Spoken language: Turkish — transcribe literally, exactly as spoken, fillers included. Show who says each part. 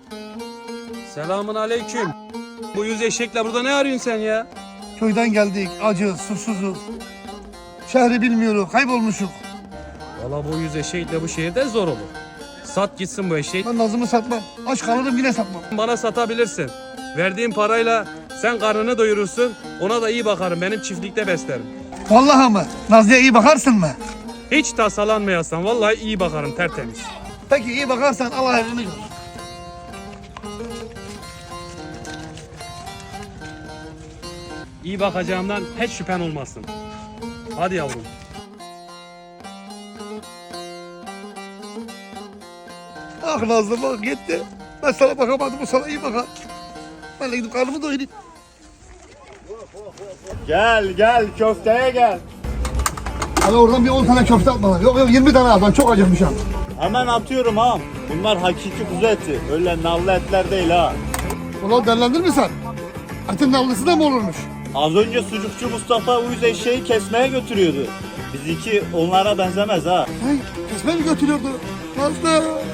Speaker 1: Selamun aleyküm. Bu yüz eşekle burada ne arıyorsun sen ya?
Speaker 2: Köyden geldik, acı, susuzuz. Şehri bilmiyoruz, kaybolmuşuk.
Speaker 1: Valla bu yüz eşekle bu şehirde zor olur. Sat gitsin bu eşek.
Speaker 2: Ben Nazım'ı satmam. Aç kalırım yine satmam.
Speaker 1: Bana satabilirsin. Verdiğin parayla sen karnını doyurursun. Ona da iyi bakarım. Benim çiftlikte beslerim.
Speaker 2: Vallahi mı? Nazlı'ya iyi bakarsın mı?
Speaker 1: Hiç tasalanmayasın. Vallahi iyi bakarım, tertemiz.
Speaker 2: Peki iyi bakarsan Allah evini gör.
Speaker 1: İyi bakacağımdan hiç şüphen olmasın. Hadi yavrum.
Speaker 2: Ah Nazlı bak gitti. Ben sana bakamadım, o sana iyi bakar. Ben de gidip karnımı doyurayım.
Speaker 3: Gel gel köfteye gel.
Speaker 2: Hadi oradan bir on tane köfte at bana. Yok yok yirmi tane at, ben çok acıkmışım.
Speaker 3: Hemen atıyorum ha. Bunlar hakiki kuzu eti. Öyle nallı etler değil ha.
Speaker 2: Ulan derlendir mi sen? Etin nallısı da mı olurmuş?
Speaker 3: Az önce sucukçu Mustafa uyuz eşeği kesmeye götürüyordu. Bizimki onlara benzemez ha.
Speaker 2: Hey, kesme mi götürüyordu? Nazlı!